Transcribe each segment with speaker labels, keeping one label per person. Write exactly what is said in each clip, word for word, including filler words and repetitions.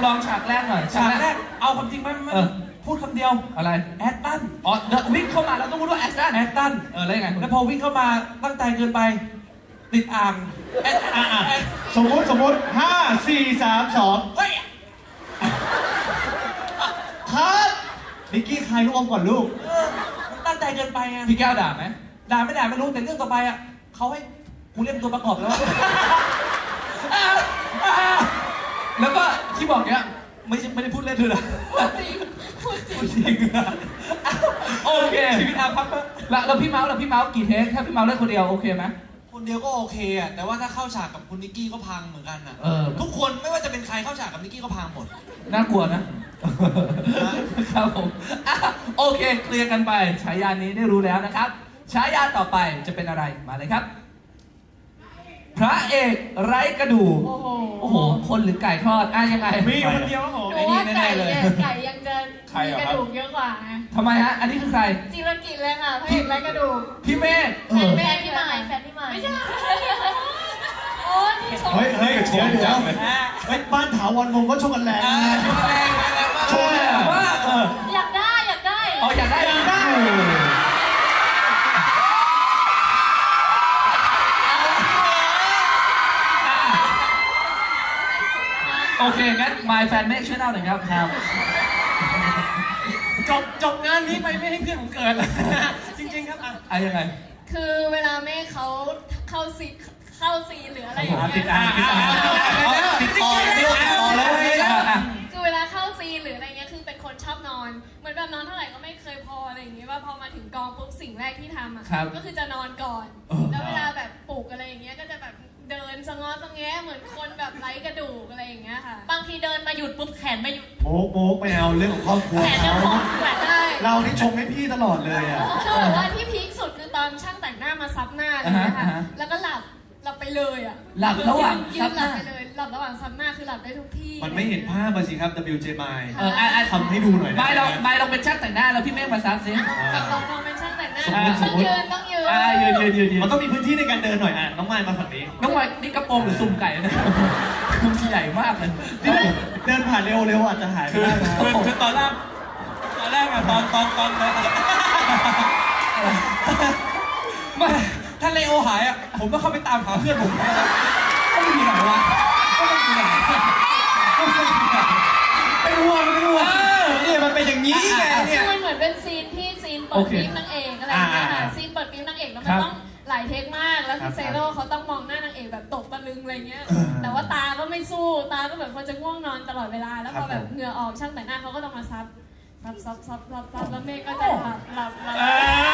Speaker 1: ลองฉากแรกหน่อย
Speaker 2: ฉากแรกเอาความจริงไหมมันพูดคำเดียว
Speaker 1: อะไร
Speaker 2: แอดตัน
Speaker 1: อ๋อวิ่งเข้ามาแล้วต้องพูดว่าแอดตัน
Speaker 2: แอดตัน
Speaker 1: เออแล้วยังไง
Speaker 2: แล้วพอวิ่งเข้ามาตั้งใจเกินไปติดอ่างแอดอ่า
Speaker 3: สมมติสมมติห้าสี่สามสอง
Speaker 2: เฮ้ย
Speaker 3: ครับนิกกี้คลายลูกอมก่อนลูก
Speaker 2: เออมันตั้งใจเกินไปไง
Speaker 1: พี่แก้วด่าไหม
Speaker 2: ด่าไม่ด่าไม่รู้แต่เรื่องต่อไปอ่ะเขาให้กูเล่นตัวประกอบแล้ว
Speaker 1: แล้วก็ที่บอกเนี้ยไม่ไม่ได้พูดเล่นด้วยนะ
Speaker 4: จริงพูดจริง
Speaker 1: จริงโอเค
Speaker 2: ชีวิตอาภัพ
Speaker 1: แล้วแล้วพี่เมาส์แล้วพี่เมาส์กี่เทคถ้าพี่เมาส์เล่นคนเดียวโอเคไหม
Speaker 2: คนเดียวก็โอเคอ่ะแต่ว่าถ้าเข้าฉากกับคุณนิกกี้ก็พังเหมือนกันอ่ะ
Speaker 1: เออ
Speaker 2: ทุกคนไม่ว่าจะเป็นใครเข้าฉากกับนิกกี้ก็พังหมด
Speaker 1: น่ากลัวนะครับผมโอเคเคลียร์กันไปฉายานี้ได้รู้แล้วนะครับฉายาต่อไปจะเป็นอะไรมาเลยครับพระเอกไร้กระดูก
Speaker 4: โอ้โห
Speaker 1: โอ้โหคนหรือไก่ทอดอ่ะยังไง
Speaker 3: มีคนเดียวครับผม
Speaker 4: หนูว่าไก่เนี่ยไก่ยังจะมีกระดูกเยอะกว่าไง
Speaker 1: ทำไมฮะอันนี้คือใคร
Speaker 4: จิรกิจเลยค่ะพระเอกไร้กระดูก
Speaker 1: พี่เมฆ
Speaker 4: แฟนแม่พี่ใหม่แฟนพี่ใหม่ไม่ใช่โอ้นี่ชม
Speaker 3: เฮ้ยเฮ้ยเดี๋ยวเดี๋ยวเฮ้ยบ้านถาวรวงก็ชกกันแรงนะ
Speaker 2: ชกแรงแรงมาก
Speaker 3: ชกแรงมากเออ
Speaker 4: อยากได้อยากได้
Speaker 1: อ๋ออยากได้อยากได้โอเคงั้น My Fan เมฆช่วยเล่าหน่อยครับครับ
Speaker 2: จบจบงานนี้ไปไม่ให้เพื่อนผมเกิดจริงๆครับอ่ะ
Speaker 1: อ่ะยังไง
Speaker 4: คือเวลาแม่เขาเข้าซีเข้าซีหรืออะไรอย่างเงี้ย
Speaker 3: ติดอ่างติดอ่างติดต่อติดต่อแล้ว
Speaker 4: คือเวลาเข้าซีหรืออะไรเงี้ยคือเป็นคนชอบนอนเหมือนแบบนอนเท่าไหร่ก็ไม่เคยพออะไรอย่างเงี้ยว่าพอมาถึงกองปุ๊บสิ่งแรกที่ทำอ่ะก็คือจะนอนก่อนแล้วเวลาแบบปลุกอะไรอย่างเงี้ยก็จะแบบเดินสะงอสะแงะเหมือนคนแบบไร้กระดูกอะไรอย่างเงี้ยค่ะบางทีเดินมาหยุดปุ๊บแขนไม่หยุด
Speaker 3: โมกโมกไม่เอาเรื่องของครอบครัว
Speaker 4: แขนยังพอแขนได้
Speaker 3: เรานี่ชงให้พี่ตลอดเลยอ่ะ
Speaker 4: คือแบบว่าที่พีคสุดคือตอนช่างแต่งหน้ามาซับหน้าอะไรอย่างเงี้ยค่ะแล้วก็หลับหลับไปเลยอ่ะ
Speaker 1: หลับระหว่าง
Speaker 4: ยืนหลับไปเลยหลับระหว่างซับหน้าคือหลับได้ทุกที่
Speaker 3: มันไม่เห็นภาพมาสิครับ ดับเบิลยู เจ มาย
Speaker 1: เอออ่ะ
Speaker 3: ทำให้ดูหน่อย
Speaker 1: ไม่เราไม่เราเป็นช่างแต่งหน้าแล้วพี่เมฆมาซับซิ
Speaker 4: กับลองลองเป็นช่างแต่งหน้าต้องยืนต้องยืน
Speaker 1: อ่ายืนยืนยืนยืน
Speaker 3: มันต้องมีพื้นที่ในการเดินหน่อยอ่ะน้องไม้มาฝั่งนี้
Speaker 1: น้องไม้นี่กระโปรงหรือซุ่มไก่นะมันใหญ่มากเลย
Speaker 3: เดินผ่านเร็วๆอาจจะหายไปได้นะ
Speaker 2: คือตอนแรกตอนแรกอะตอนตอนตอนไม่ถ้าเลโอหายอะผมต้องเข้าไปตามหาเพื่อนผมก็ไม่มีไหนวะก็ไม่มีไหนไม่รู้ว่าไม่รู้ว่าเนี่ยมันเป็นอย่างนี้ไงเนี่ย
Speaker 4: มันเหมือนเป็นซีนที่ซีนเปิดปิ๊มนางเอกอะไรอย่างเงี้ยค่ะซีนเปิดปิ๊มนางเอกแล้วมันต้องหลายเทคมากแล้วคือเซโร่เขาต้องมองหน้านางเอกแบบตกตะลึงอะไรเงี้ยแต่ว่าตาก็ไม่สู้ตาก็แบบคนจะง่วงนอนตลอดเวลาแล้วพอแบบเหงื่อออกช่างแต่งหน้าเขาก็ต้องมาซับซับซับซับซับซับแล้วเมฆก็จะหลับหลับหลับ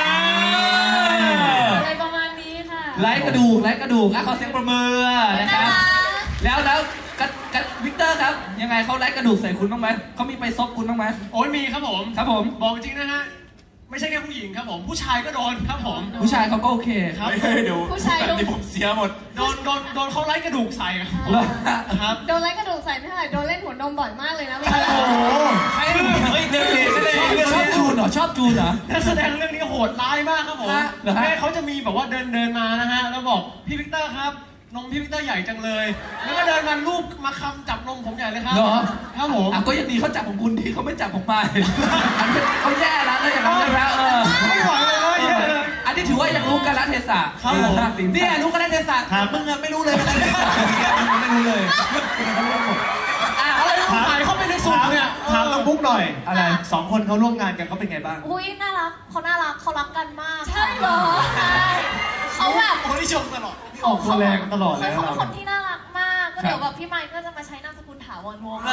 Speaker 4: อะไรประมาณนี้ค่ะ
Speaker 1: ไร้กระดูกไร้กระดูกอ่ะขอเสียงประมือนะครับแล้วแล้วกับกับวิกเตอร์ครับยังไงเขาไร้กระดูกใส่คุณบ้างไหมเขามีไปซบคุณบ้างไหม
Speaker 2: โอ้ยมีครับผม
Speaker 1: ครับผม
Speaker 2: บอกจริงนะฮะไม่ใช่แค่ผู้หญิงครับผมผู้ชายก็โดนครับผม
Speaker 1: ผู้ชายเขาก็โอเค
Speaker 2: ครับเดี๋ยว
Speaker 4: ผู้ชาย
Speaker 2: ที่ผมเสียหมดโดนโดนโดนเขาไล่กระดูกใส่ครับ
Speaker 4: โดนไล่กระดูกใส่ไม่เท่าไหร่โดนเล่นหัวนมบ่อยมากเลยนะ
Speaker 3: โอ้โห
Speaker 2: ใครเฮ้ยเด็กเด็ก
Speaker 1: ชอบจูนเหรอชอบจูนเหรอ
Speaker 2: นักแสดงเรื่องนี้โหดร้ายมากครับผมแม่เขาจะมีแบบว่าเดินเดินมานะฮะแล้วบอกพี่วิกเตอร์ครับนมพี่วิกเตอร์ใหญ่จังเลยแล้วก็เดินมาลูบมาคำจับนมผมใหญ่เลยครับ
Speaker 1: เหรอ
Speaker 2: ครับผม
Speaker 1: อ่ะก็ยังดีเขาจับของคุณดีเขาไม่จับของมาเขาแย่แล้วแล้วอย่างนั้นเลยนะเออ
Speaker 2: ไม่ไหวเลย
Speaker 1: อันนี้ถือว่ายังรู้กาลเทศะ
Speaker 2: ครับผมเนี่ยรู้กาลเทศะมึงอะไม่รู้เลยไม่รู้เลยอะไรถ่ายเข้าไปในสูตรเนี่ย
Speaker 3: ถามน้องบุ๊กหน่อยอะไรสองคนเขาร่วมงานกันเขาเป็นไงบ้าง
Speaker 5: อุ้ยน่ารักเขาน่ารักเขารักกันมาก
Speaker 4: ใช่เหรอ
Speaker 5: ใช่เขาแบบ
Speaker 2: คนที่ชมตลอด
Speaker 3: ออกตัวแรงตลอดเลย
Speaker 5: เขาเป็นคนที่น่ารักมากก็เดี๋ยวแบบพี่ไมค์ก็จะมาใช้นามสกุลถาวรวงศ์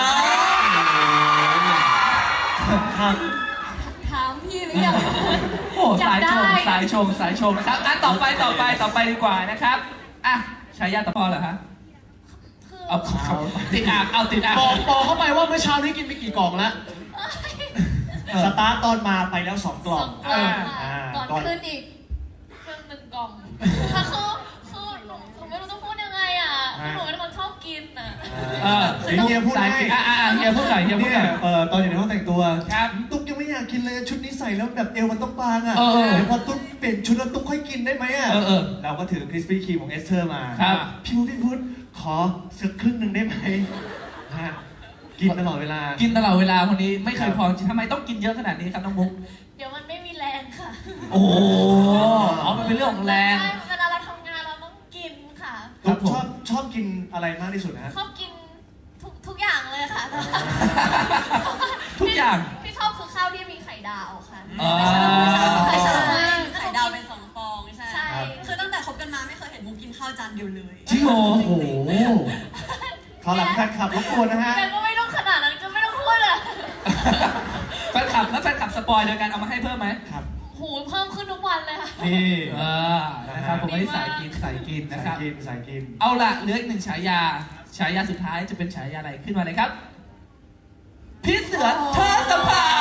Speaker 4: ถามพี่หรือยัง
Speaker 1: โอ้สายชงสายชงสายชงนะครับอ่ะต่อไปต่อไปต่อไปดีกว่านะครับอ่ะชายาตะพอเหรอฮะเอาติดอ่างเอาติดอ่าง
Speaker 2: บอกบอกเข้าไปว่าเมื่อเช้านี้กินไปกี่กล่องแล้ว
Speaker 3: สตาร์ตอนมาไปแล้วสองกล่อง
Speaker 4: ก่อนขึ้นอีกเครื่องหนึ่งกล่องค่ะคือคือหนูหนูไม่รู้จะพูดยังไงอ่ะหนูเป็นคนชอบกินอ่ะ
Speaker 1: เออ
Speaker 3: เฮียพูดให้
Speaker 1: อ่าเฮียพูดหน่อยเฮียพูดหน่อย
Speaker 3: เออตอนอยู่ในห้องแต่งตัวครับตุ๊กยังไม่อยากกินเลยชุดนี้ใส่แล้วแบบเอวมันต้องบางอ่ะเดี๋ยวพอตุ๊กเปลี่ยนชุดแล้วตุ๊กค่อยกินได้ไหมอ่ะเราก็ถือคริสปี้ครีมของเอสเธอร์มาพี่พุทธพี่พุทธขอสักครึ่งหนึ่งได้ไหมฮะกินตลอดเวลา
Speaker 1: กินตลอดเวลาคนนี้ไม่เคยพอจริงทำไมต้องกินเยอะขนาดนี้ครับน้องมุก
Speaker 4: เดี๋ยวมันไม่มีแรงค่ะ
Speaker 1: โอ้โหอ๋อมันเป็นเรื่องของแรง
Speaker 4: ใช่เวลาเราทำงานเราต้องกินค่ะ
Speaker 1: ครับผม
Speaker 3: ชอบชอบกินอะไรมากที่สุดนะฮะ
Speaker 4: ชอบกินทุกทุกอย่างเลยค่ะ
Speaker 1: ทุกอย่าง
Speaker 4: ที่ชอบคือข้าวที่มีไข่ดาวค่ะ
Speaker 1: อ๋อ
Speaker 4: ไข่ดาว
Speaker 6: ไข่ดาวเป็นสองฟองใช่
Speaker 4: ใช่
Speaker 6: คือตั้งแต่คบกันมาไม่เคยเห็นมุกกินข้าวจานเดียวเลย
Speaker 1: จริงเหรอ
Speaker 3: โอ้โหขอหลังแฟนคลับรบกวนนะฮะ
Speaker 4: แต่ก็ไม่ต้องขนาดนั้นก็ไม่ต้องพูดอะ
Speaker 1: แฟนคลับแล้วแฟนคลับสปอยโดยการเอามาให้เพิ่มไหม
Speaker 3: ครับ
Speaker 4: หูเพิ่มขึ้นทุกวันเลยค่ะ
Speaker 3: นี่
Speaker 1: เออนะครับผมไม่ได้สายกินสายกินนะค
Speaker 3: สา
Speaker 1: รั
Speaker 3: ย
Speaker 1: บ
Speaker 3: กินสายกิน
Speaker 1: เอาล่ะเหลืออีกหนึ่งฉายา ฉายาสุดท้ายจะเป็นฉายาอะไรขึ้นมาเลยครับ พี่เสือเธอสภา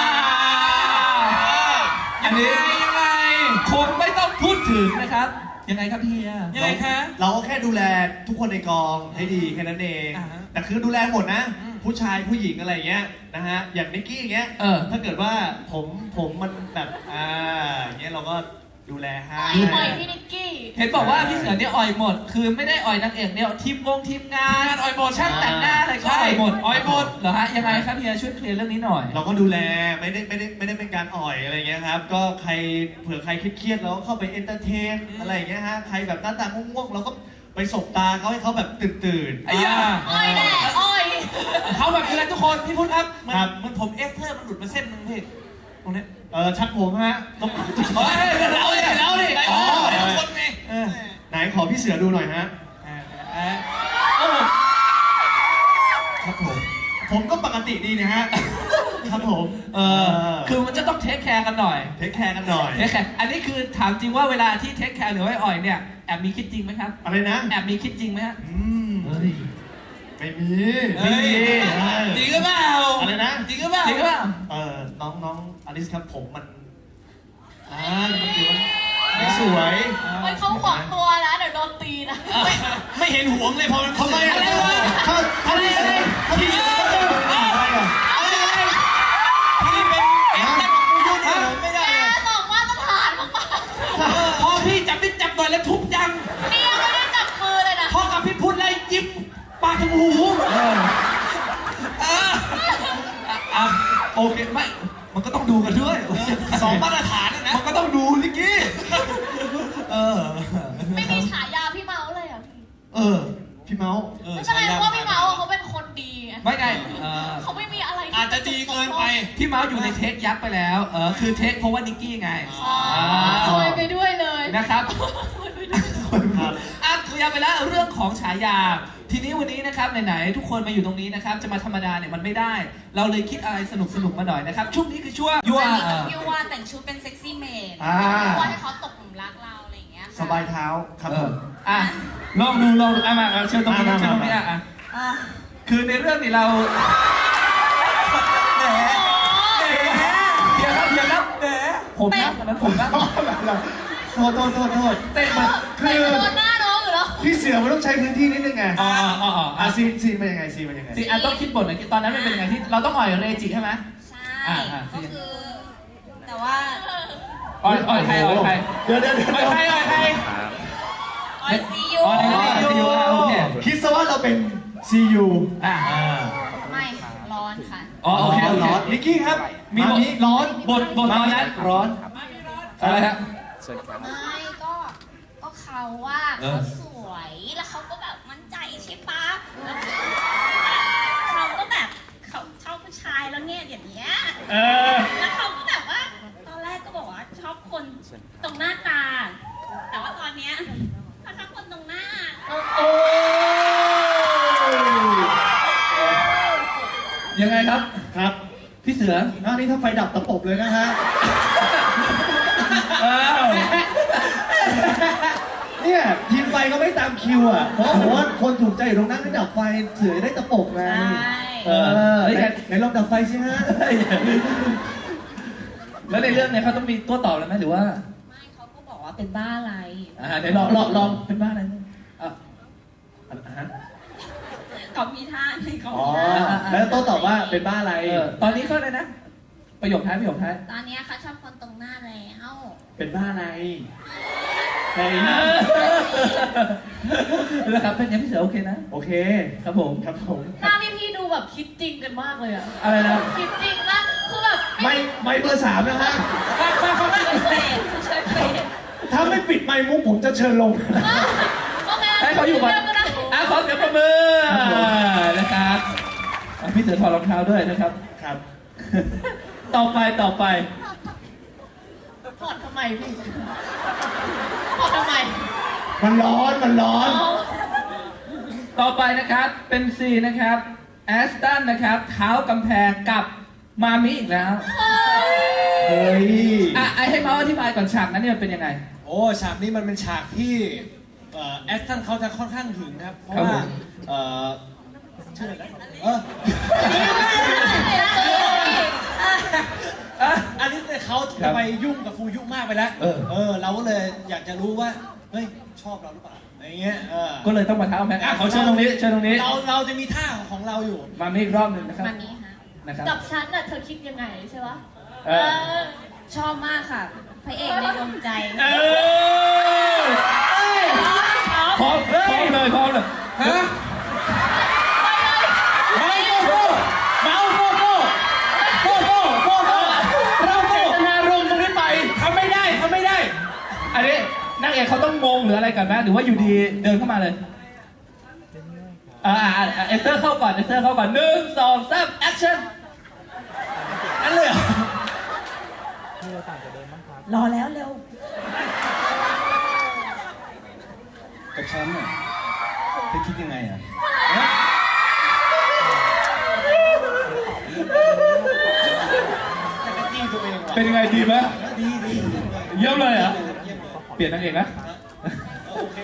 Speaker 1: อันนี้ยังไงคงไม่ต้องพูดถึงนะครับ ยังไงครับพี่เฮียยังไงคะ
Speaker 3: เราก็แค่ดูแลทุกคนในกองให้ดีแค่นั้นเอง
Speaker 1: อ่าฮะ
Speaker 3: แต่คือดูแลหมดนะ
Speaker 1: อืม
Speaker 3: ผู้ชายผู้หญิงอะไรอย่างเงี้ยนะฮะ อย่างนิกกี้อย่างเงี้ย
Speaker 1: เออ
Speaker 3: ถ้าเกิดว่าผมผมมันแบบอ่าอย่างเงี้ยเราก็ดูแลให้
Speaker 4: อ่อยอ่อยพี่นิกกี้
Speaker 1: เห็นบอกว่าพี่เสือเนี่ยอ่อยหมด คือไม่ได้อ่อยนางเอกเนี่ยทีมงงทีมงานอ่อยหมดช่างแต่งหน้าอะไรก็อ่อยหมดอ่อยหมดเหรอฮะยังไงครับพี่เฮียช่วยเคลียร์เรื่องนี้หน่อย
Speaker 3: เราก็ดูแลไม่ได้ไม่ได้ไม่ได้เป็นการอ่อยอะไรเงี้ยครับ ก็ใครเผื่อใครเครียดๆเราก็เข้าไปเอนเตอร์เทนอะไรอย่างเงี้ยฮะ ใครแบบหน้าตาง่วงๆเราก็ไปสบตาเขาให้เขาแบบตื่นตื่นๆ
Speaker 1: ไอ้ย่า
Speaker 4: อ้อยแน่อ้อย
Speaker 1: เขาแบบนี้แหละทุกคนพี่พุทธครับมัน
Speaker 3: ครับ
Speaker 1: มันผมเอสเทอร์มันหลุดมาเส้นนึงพี่ตรงนี้
Speaker 3: เออชักผมฮะต้อง
Speaker 1: เฮ้ยเราดิเราดิ
Speaker 3: อ๋อ
Speaker 1: ทุกคนไงเออ
Speaker 3: ไหนขอพี่เสือดูหน่อยฮะ
Speaker 1: เออเออ
Speaker 3: ครับผม ผมก็ปกติดีนะฮะ ครับผม
Speaker 1: เออคือมันจะต้องเทคแคร์กันหน่อย
Speaker 3: เทคแคร์กันหน่อย
Speaker 1: เทคแคร์อันนี้คือถามจริงว่าเวลาที่เทคแคร์หรือว่าอ่อยเนี่ยแอบมีคิดจริงไหมครับ
Speaker 3: อะไรนะ
Speaker 1: แอบมีคิดจริงไหมฮะ
Speaker 3: อืม
Speaker 1: เฮ้ย
Speaker 3: ไม่มี
Speaker 1: เฮ้ย
Speaker 3: เออ
Speaker 1: จริงหรือเปล่า
Speaker 3: อะไรนะ
Speaker 1: จริงหรือเปล่าจริงหรือเปล่า
Speaker 3: เออน้องน้องอลิสครับผมมันอ่ามันเดี๋ยวมันไม่สวย
Speaker 4: ไว้เขาหวังตัวนะเดี๋ยวโดนตีนะ
Speaker 1: ไม่เห็นหวงเลยพอมัน
Speaker 3: ทำไม
Speaker 1: อะไร
Speaker 3: อ่ะ
Speaker 1: วะ
Speaker 3: ถ้าถ้าพี่เสือถ้าพี่เสืออะไรอ่ะ
Speaker 1: พี่เป็นเอ็มแต่ของกูยุ่งเหรอไม่ได้
Speaker 4: แก
Speaker 1: เลย
Speaker 4: บอกว่าต้องผ่านมาก
Speaker 1: พอพี่จับพี่จับหน่อยแล้วทุบยัง
Speaker 4: ๆนี่ยังไม่ได้จับมือเลยนะ
Speaker 1: พอกับพี่พุทธเลยยิบปากถึงหูเอออ่ะอ่ะโอเคไม่มันก็ต้องดูกันด้วยสองมาตรฐานนะมันก็ต้องดูนิกกี้เออ
Speaker 4: ไม่มีฉายาพี่เมาส์เลยอ่ะพี่
Speaker 3: เออ พี่เมาส์
Speaker 4: ไม่เป็นไรเพราะว่าพี่เมาส์อะเขาเป็นคนดีไง
Speaker 1: ไม่ไงเออ
Speaker 4: เขาไม่มีอะไรที่
Speaker 1: อาจจะดีเกินไปพี่เมาส์อยู่ในเทคยักษ์ไปแล้วเออคือเทคเพราะว่านิกกี้ไง
Speaker 4: อ๋อซวยไปด้วยเลย
Speaker 1: นะครับ
Speaker 4: ซวยไปด้วย
Speaker 3: ครับ
Speaker 1: อ่ะเคลียร์ไปแล้วเรื่องของฉายา ทีนี้วันนี้นะครับไหนๆทุกคนมาอยู่ตรงนี้นะครับจะมาธรรมดาเนี่ยมันไม่ได้ เราเลยคิดอะไรสนุกๆมาหน่อยนะครับช่วงนี้คือช่วงยั่ว
Speaker 6: อันนี้
Speaker 1: เอ่
Speaker 6: กับ
Speaker 1: อ
Speaker 6: พี่ว่าแต่งชุดเป็นเซ็กซี่เมด
Speaker 3: อ่า
Speaker 6: ว่าให้เขาตกหลุมรักเราอะไรอย่างเงี้ยค่ะ
Speaker 3: สบายเท้าครับ
Speaker 1: เอ
Speaker 3: ผ
Speaker 1: อ
Speaker 3: ม
Speaker 1: อ่ะลองดูลองดูอ่ะมาเอาเชิญตรงนี้
Speaker 3: มามา
Speaker 1: เชิญตรงนี้
Speaker 3: มา
Speaker 1: อ่ะอ่ะ
Speaker 6: อ่ะ
Speaker 1: คือในเรื่องนี้เราแหมแหมเดี๋ยวครับเดี๋ยวครับแหมผมนะตอนนั้นผมนะ
Speaker 3: โทษโทษโทษโทษ
Speaker 1: เตะมัน
Speaker 3: คือ
Speaker 4: แต่โดนหน้าน้องอยู่แล้ว
Speaker 3: พี่เสือมันต้องใช้พื้นที่นิดนึงไง
Speaker 1: อ๋ออ๋ออ๋อ
Speaker 3: อ่ะ
Speaker 1: อ่ะ
Speaker 3: ซีนซีนเป็นยังไงซีนเป็นยังไง
Speaker 1: สิอ่ะต้องคิดบทหน่อยตอนนั้นมันเป็นยังไงที่เราต้องอ่อยเรจิใช่ไหม
Speaker 6: ใช่
Speaker 1: อ่าอ่า
Speaker 6: ก็คือ แต่ว่า
Speaker 1: อ่อยอ่อยใครอ่อยใคร
Speaker 3: เดี๋ยวเดี๋ยวเดี๋ยว
Speaker 1: อ่อยใครอ่อยใคร
Speaker 6: ออยซียู
Speaker 1: อ๋อในซียูอ่ะโอเค
Speaker 3: คิดซะว่าเราเป็น ซี ยู
Speaker 1: อ่ะ
Speaker 6: ไม่ค่ะร้อนค่ะ
Speaker 1: อ๋อโอเคโอเค
Speaker 3: ร้อนนิกกี้ครับ
Speaker 1: มี
Speaker 3: มา
Speaker 1: บท
Speaker 3: นี้ร้อน
Speaker 1: บทบทตอนนั้น
Speaker 3: ร้อน
Speaker 1: อะไรฮะ
Speaker 6: ไม่ก็ก็เขาว่า
Speaker 1: เออ
Speaker 6: เขาสวยแล้วเขาก็แบบมั่นใจใช่ปะแล้วเขาก็แบบเขาชอบผู้ชายแล้วเนี่ยอย่างเงี้ย
Speaker 1: เออ
Speaker 6: แล้วเขาก็แบบว่า ตอนแรกก็บอกว่าชอบคนตรงหน้าตา แต่ว่าตอนเนี้ยเขาชอบคนตรงหน้า
Speaker 1: โอ้ยังไงครับ
Speaker 3: ครับ
Speaker 1: พี่เสือ
Speaker 3: หน้านี้ถ้าไฟดับตะปบเลยนะฮะ
Speaker 1: อ้าว
Speaker 3: เนี่ยทีมไฟก็ไม่ตามคิวอ่ะ เพราะผมว่าคนถูกใจอยู่ตรงนั้นก็ดับไฟเสือได้ตะปบไง
Speaker 6: ใช่
Speaker 3: เออไหนไหนลองดับไฟสิฮะ
Speaker 1: แล้วในเรื่องเนี่ยเขาต้องมีตัวตอบเลยไหมหรือว่า
Speaker 6: ไม่เขาก็บอกว่าเป็นบ้าอะไร
Speaker 1: อ่าเดี๋ยวลองลองลองเป็นบ้าอะไรอ่ะ
Speaker 3: อ่ะฮะ
Speaker 6: เขามีท่าในเขา
Speaker 3: อ๋อ
Speaker 6: มีท่า
Speaker 3: แล้วโต้ตอบว่าเป็นบ้าอะไร
Speaker 1: เออตอนนี้เขาเลยนะประโยคท้ายประโยคท้าย
Speaker 6: ตอนเนี้ยเขาชอบคนตรงหน้าแล้ว
Speaker 2: เป็นบ้าอะไรใน
Speaker 1: นะครับเป็นยังพี่เสือโอเคนะ
Speaker 2: โอเค
Speaker 1: ครับผม
Speaker 2: ครับผม
Speaker 4: หน้าพี่พี่ๆดูแบบคิดจริงกันมากเลยอะ
Speaker 1: อะไรนะ
Speaker 4: คิดจริงมากคือแบบ
Speaker 2: ไม่ไม่เบอร์สามนะฮะฟังฟังฟัง
Speaker 4: ช่วยเฟดช่วยเฟด
Speaker 2: ถ้าไม่ปิดไมค์มุกผมจะเชิญลง
Speaker 4: โอเค
Speaker 1: ให้เขาอยู่ก่อน
Speaker 4: เดี๋วก็ได้
Speaker 1: อ่ะขอเสียงปรบมือนะครับอ่ะพี่เสือถอดรองเท้าด้วยนะครับ
Speaker 2: ครับ
Speaker 1: ต่อไปต่อไป
Speaker 4: ถอดทำไมพี่ถอดทำไม
Speaker 2: มันร้อนมันร้อน
Speaker 1: ต่อไปนะครับเป็นซีนะครับแอสตันนะครับเท้ากำแพงกับมามิอีกแล้ว
Speaker 2: เฮ้ย
Speaker 1: อ่ะไอให้เมาส์อธิบายก่อนฉากนั้นเนี่ยเป็นยังไง
Speaker 2: โอ้ฉากนี้มันเป็นฉากที่เอ่อแอสตันเขาจะค่อนข้างถึงครับ เพราะ
Speaker 1: ครับ
Speaker 2: ว่า
Speaker 1: ผม
Speaker 2: เอ่อชื่ออะไรนะเออ
Speaker 1: อ่ะ
Speaker 2: อันนี้เนี่ยเขา
Speaker 1: ครั
Speaker 2: จะ
Speaker 1: บ
Speaker 2: ไปยุ่งกับฟูยุมากไปแล้ว
Speaker 1: เออ
Speaker 2: เออ เราก็เลยอยากจะรู้ว่า เฮ้ย ชอบเราหรือเปล่าอะไรเงี้ยเออ
Speaker 1: ก็เลยต้องมาเท้ากำแพงอ่ะขอเชิญตรงนี้เชิญตรงนี้
Speaker 2: เราเราจะมีท่าของเราอยู่
Speaker 1: มามิอีกรอบหนึ่งนะครับ
Speaker 6: มามีฮะ
Speaker 1: นะครับ
Speaker 4: กับฉันน่ะเธอคิดยังไงใช่ปะ
Speaker 1: เออ
Speaker 6: ชอบมากค่ะ พระเอกในดวงใจ
Speaker 1: เออพร้อมพร้อมเลยพร้อมเลยฮะ
Speaker 2: ไม่โก้เมาโก้โก้โก้โก้โก้โก้เราเจตนารมณ์ตรงนี้ไปทำไม่ได้ทำไม่ได้
Speaker 1: อันนี้นางเอกเขาต้องงงหรืออะไรกันไหมหรือว่าอยู่ดีเดินเข้ามาเลยอ่าอ่าอ่าเอสเตอร์เข้าก่อนเอสเตอร์เข้าก่อนหนึ่งสองสามแอคชั่น
Speaker 2: นั่นเลยเหรอ
Speaker 4: รอแล้วเร็ว
Speaker 2: กับฉันน่ะเธอคิดยังไงอ่ะจะจี้ตัวเองว่ะ
Speaker 1: เป็นยังไงดีไหม
Speaker 2: ดีดี
Speaker 1: เยี่ยมเลยเหรอ
Speaker 2: เยี่ยมเลย
Speaker 1: เปลี่ยนนางเอกนะ
Speaker 2: โอเค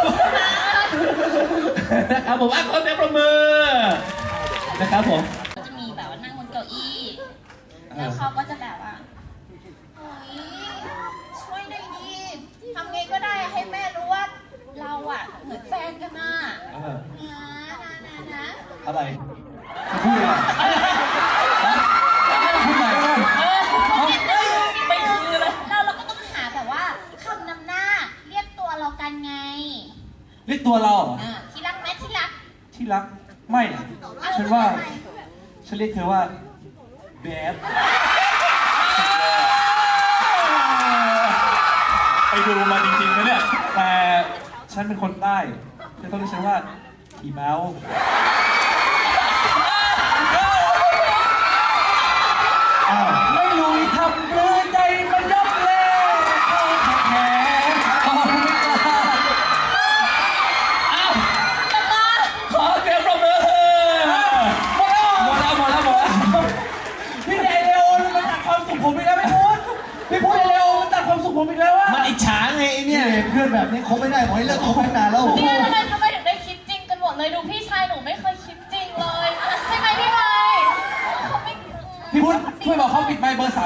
Speaker 1: นะครับผมอ่ะขอเสียงปรบมือนะครับผม
Speaker 6: ก็จะมีแบบว่านั่งบนเก้าอี้ แล้วเขาก็จะแบบว่าโอ้ยช่วยหน่อยดีทำไงก็ได้ให้แม่รู้ว่าเราอ่ะเหมือนแฟนกันน่ะ
Speaker 1: เออ
Speaker 6: นะนะนะนะ
Speaker 2: อะไรพูดอะไรพูดอะไร
Speaker 6: ไม่คือเลยเราเราก็ต้องหาแบบว่าคำนำหน้าเรียกตัวเรากันไง
Speaker 2: เรียกตัวเราเหรอ
Speaker 6: อ่าที่รักไหมที่รัก
Speaker 2: ที่รัก ไม่อะฉันว่า ฉันเรียกเธอว่าแบดไปดูมาจริงๆนะเนี่ย แต่ฉันเป็นคนใต้เธอต้องเรียกฉันว่าทีเมาส์อ้าวไม่รู้ทำเลยใจมันยกเลยแข็ง
Speaker 1: ขอบคุณครับอ้าวขอเสียงปรบมือหมดแล้วหมดแล้วหมดแล้ว
Speaker 2: พี่เดเลโอมันตัดความสุขผมอีกแล้วไม่พูดพี่พูดเดเลโอมันตัดความสุขผมอีกแล้วว่ามันอิจฉาไงไอ้เนี่ยเพื่อนแบบนี้คบไม่ได้ขอให้เลิกคบตั้งนานแล้ว
Speaker 4: เนี่ยทำไมทำไมถึงได้คิดจริงกันหมดเลยดูพี่ชายหนูไม่เคยคิดจริงเลยใช่ไหมพี่ไมค์เขาไม่
Speaker 2: พี่พุทธช่วยบอกเขาปิดไมค์เบอร์สาม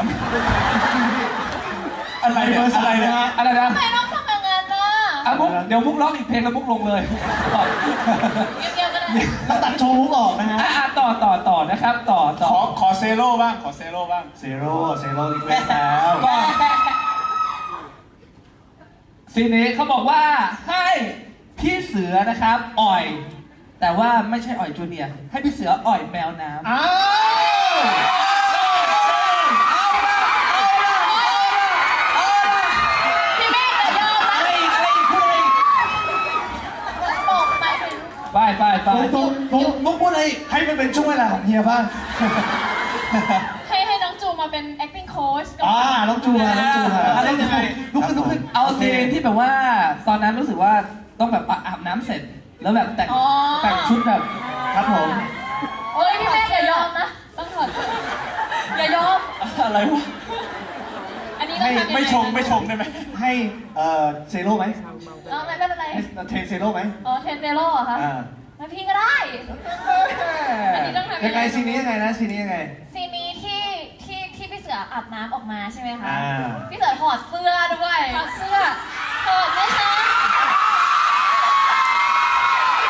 Speaker 2: อะไรเบอร์อะไรนะฮะ
Speaker 1: อะไรนะ
Speaker 4: ทำไมต้องทำอย่างนั้นน่ะ
Speaker 1: อ่ะมุกเดี๋ยวมุกร้องอีกเพลงแล้วมุกลงเลย
Speaker 4: เงียบๆก็ได้
Speaker 2: เราตัดโชว์มุกออกนะฮะ
Speaker 1: อ่ะอ่ะต่อต่อต่อนะครับ ต่อต่อ
Speaker 7: ขอขอเซโร่บ้าง ขอเซโร่บ้าง
Speaker 2: เซโร่เซโร่อีกแล้ว
Speaker 1: ก็ซีนนี้เขาบอกว่าให้พี่เสือนะครับ อ่อย แต่ว่าไม่ใช่อ่อยจูเนียร์ให้พี่เสืออ่อยแมวน้ำ
Speaker 2: อ้าว
Speaker 4: พี่เมฆจะยอมไหม
Speaker 2: อะไรอีกอะไรอีกพูดอะไรอีก
Speaker 4: บอกไปเป็น
Speaker 1: ไปไปไป
Speaker 2: ตรงตรงมุกพูดอะไรอีกให้มันเป็นช่วงเวลาของเฮียบ้าง
Speaker 4: ให้ให้น้องจูมาเป็น acting coach กับ
Speaker 2: อ่าน้องจูมาน้องจูมาอะไรยังไงลุกขึ้นลุกขึ้น
Speaker 1: เอาซีนที่แบบว่า ตอนนั้นรู้สึกว่าต้องแบบอาบน้ำเสร็จ แล้วแบบแต่งแต่งชุดแบบ
Speaker 2: ครับผม
Speaker 4: เฮ้ยพี่เมฆอย่ายอมนะ ต้องถอดอย่ายอม
Speaker 1: อะไรวะ
Speaker 4: อันนี้ต้องทำยังไง
Speaker 7: ไม่ชงไม่ชงได้ไหม
Speaker 2: ให้เอ่อเซโร่ไหม
Speaker 4: เออไม่ไม่เป็นไร
Speaker 2: ให้เทรนเซโร่ไหม
Speaker 4: เออเทนเซโร่เหรอคะ
Speaker 2: อ่า
Speaker 4: งั้นพี่ก็ได้ อันนี้ต้องทำ
Speaker 2: ยังไงซีนนี้ยังไงนะซีนนี้ยังไง
Speaker 4: ซีนนี้ที่ที่ที่พี่เสืออาบน้ำออกมาใช่ไหมคะ
Speaker 2: อ่า
Speaker 4: พี่เสือถอดเสื้อด้วย ถอดเสื้อถอดไหมคะ